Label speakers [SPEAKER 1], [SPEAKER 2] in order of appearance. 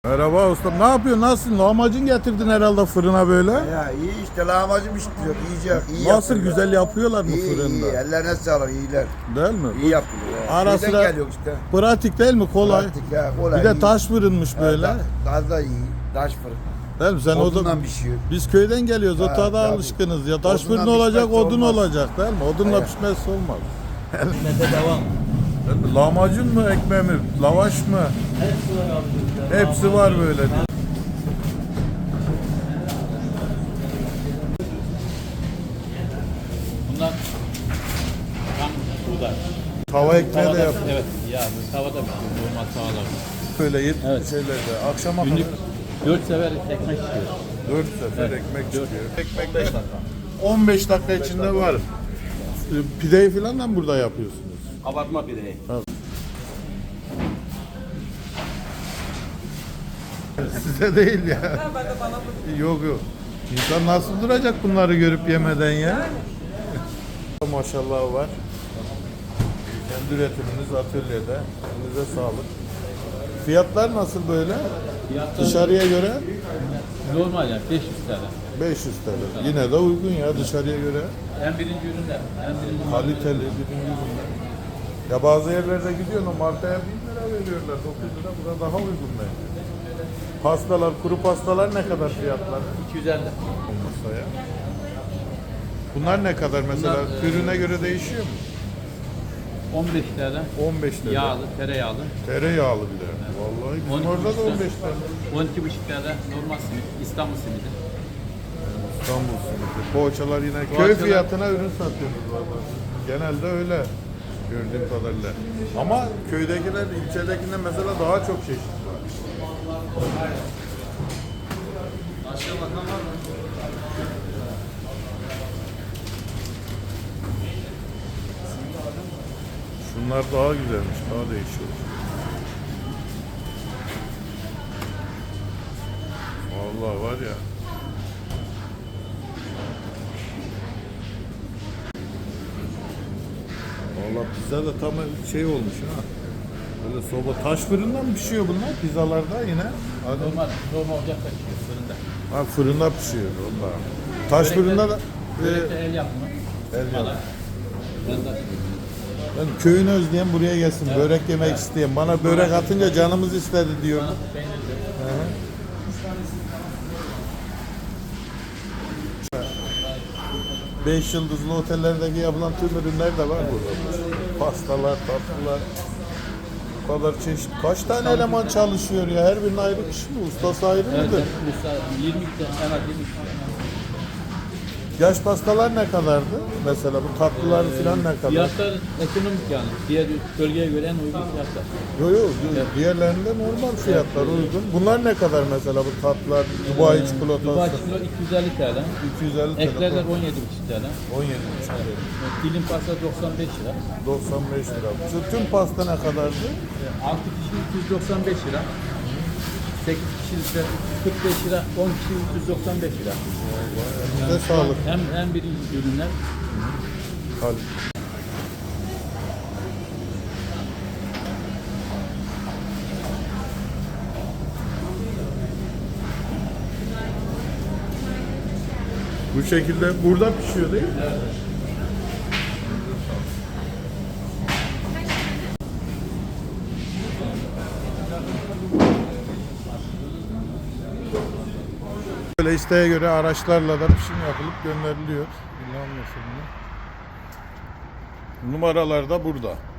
[SPEAKER 1] Merhaba ustam. Ne yapıyorsun? Nasılsın? Lahmacun getirdin herhalde fırına böyle.
[SPEAKER 2] Ya iyi işte lahmacun pişiriyor. İyicek, iyi
[SPEAKER 1] Nasıl
[SPEAKER 2] yapıyorlar.
[SPEAKER 1] güzel yapıyorlar mı
[SPEAKER 2] İyi,
[SPEAKER 1] fırında?
[SPEAKER 2] iyi. Ellerine sağlık, iyiler.
[SPEAKER 1] Değil mi?
[SPEAKER 2] İyi yapıyorlar.
[SPEAKER 1] Ara
[SPEAKER 2] Köyden
[SPEAKER 1] sıra
[SPEAKER 2] geliyor işte.
[SPEAKER 1] pratik değil mi? Kolay.
[SPEAKER 2] Pratik ya, kolay.
[SPEAKER 1] Bir de
[SPEAKER 2] iyi.
[SPEAKER 1] taş fırınmış böyle.
[SPEAKER 2] Gaz da iyi. Taş fırın.
[SPEAKER 1] Değil mi? Sen
[SPEAKER 2] Odundan pişiyor.
[SPEAKER 1] biz köyden geliyoruz. O
[SPEAKER 2] Ha,
[SPEAKER 1] tada
[SPEAKER 2] tabii.
[SPEAKER 1] alışkınız ya. Taş
[SPEAKER 2] Odundan
[SPEAKER 1] fırın olacak,
[SPEAKER 2] pişmezse
[SPEAKER 1] odun
[SPEAKER 2] olmaz.
[SPEAKER 1] olacak değil mi? Odunla
[SPEAKER 2] Aynen.
[SPEAKER 1] pişmezse olmaz.
[SPEAKER 3] Hizmete devam.
[SPEAKER 1] Değil mi? Lahmacun mu, ekmeği mi, lavaş mı?
[SPEAKER 3] Hepsi var abi.
[SPEAKER 1] Hepsi var böyle.
[SPEAKER 3] Bunlar tam buğday.
[SPEAKER 1] Tava ekmeği de yap.
[SPEAKER 3] Evet, ya tavada pişiyor. Normal tavada.
[SPEAKER 1] Böyle 70
[SPEAKER 3] Evet.
[SPEAKER 1] şeylerde. Akşama
[SPEAKER 3] Günlük
[SPEAKER 1] kadar
[SPEAKER 3] 4 sefer ekmek çıkıyor.
[SPEAKER 1] 4 sefer
[SPEAKER 3] Evet.
[SPEAKER 1] ekmek
[SPEAKER 3] Dört.
[SPEAKER 1] çıkıyor. Ekmek
[SPEAKER 3] 15 dakika.
[SPEAKER 1] 15 dakika içinde var. Pideyi falan da mı burada yapıyorsunuz?
[SPEAKER 3] Kabartma pideyi.
[SPEAKER 1] Size değil ya. Yok yok. İnsan nasıl duracak bunları görüp yemeden ya? Maşallah var. Kendi üretiminiz atölyede. Elinize sağlık. Fiyatlar nasıl böyle?
[SPEAKER 3] Fiyatlar
[SPEAKER 1] Dışarıya göre
[SPEAKER 3] normal yani 500 TL.
[SPEAKER 1] 500 TL. Yine de uygun ya dışarıya göre.
[SPEAKER 3] En birinci ürünler. En birinci
[SPEAKER 1] Kaliteli birinci ürünler. Ya bazı yerlerde gidiyorsun o markaya 1000 lira veriyorlar. 9 lira. Burada daha uygun bence. Pastalar, kuru pastalar ne kadar fiyatlar?
[SPEAKER 3] 250.
[SPEAKER 1] Olmasa ya. Bunlar ne kadar mesela?
[SPEAKER 3] Bunlar,
[SPEAKER 1] Ürüne göre değişiyor mu?
[SPEAKER 3] 15 TL.
[SPEAKER 1] 15 lira.
[SPEAKER 3] Yağlı, tereyağlı.
[SPEAKER 1] Tereyağlı bir de. Vallahi bizim
[SPEAKER 3] 12
[SPEAKER 1] orada da
[SPEAKER 3] buçuk
[SPEAKER 1] 15 lira.
[SPEAKER 3] 12,5 TL normal simit. İstanbul simidi.
[SPEAKER 1] İstanbul simidi. Poğaçalar yine köy
[SPEAKER 3] Poğaçalar-
[SPEAKER 1] fiyatına ürün satıyoruz vallahi. Genelde öyle gördüğüm kadarıyla. Ama köydekiler ilçedekinden mesela daha çok çeşit var. Şunlar daha güzelmiş, daha değişik. Vallahi var ya. Vallahi pizza da tam şey olmuş ha. Böyle soba taş fırından mı pişiyor bunlar pizzalarda yine? Hadi.
[SPEAKER 3] Normal ocakta pişiyor fırında.
[SPEAKER 1] Ha fırında pişiyor vallahi. Taş fırında da
[SPEAKER 3] Börekte el yapımı.
[SPEAKER 1] el yapımı.
[SPEAKER 3] Valla. Ben de
[SPEAKER 1] Ben köyünü özleyen buraya gelsin. Börek yemek isteyen. Bana börek atınca canımız istedi diyor.
[SPEAKER 3] peynirli.
[SPEAKER 1] 5 yıldızlı otellerdeki yapılan tüm ürünler de var burada. Pastalar, tatlılar. Bu kadar çeşit. Kaç tane eleman çalışıyor ya? Her birinin ayrı kişi mi? Ustası ayrı
[SPEAKER 3] Evet,
[SPEAKER 1] mıdır?
[SPEAKER 3] mesela 20 tane, en az 20 tane.
[SPEAKER 1] Yaş pastalar ne kadardı? Mesela bu tatlılar falan ne kadar?
[SPEAKER 3] Fiyatlar ekonomik yani. Diğer bölgeye göre en uygun fiyatlar.
[SPEAKER 1] Yok yok. Diğerlerinde normal fiyatlar uygun. Bunlar ne kadar mesela bu tatlılar? Dubai çikolatası.
[SPEAKER 3] Dubai kilo 250 TL.
[SPEAKER 1] 250 TL.
[SPEAKER 3] Eklerler 17,5 TL.
[SPEAKER 1] 17,5 TL.
[SPEAKER 3] Dilim pasta 95 lira.
[SPEAKER 1] 95 lira. Şu tüm pasta ne kadardı?
[SPEAKER 3] 6 kişi 295 lira. 8 kişi ise 45 lira, 10 kişi 395 lira.
[SPEAKER 1] Size sağlık.
[SPEAKER 3] Hem birinci ürünler.
[SPEAKER 1] Kalite. Bu şekilde burada pişiyor değil mi? Böyle isteğe göre araçlarla da pişim yapılıp gönderiliyor. Numaralar da burada.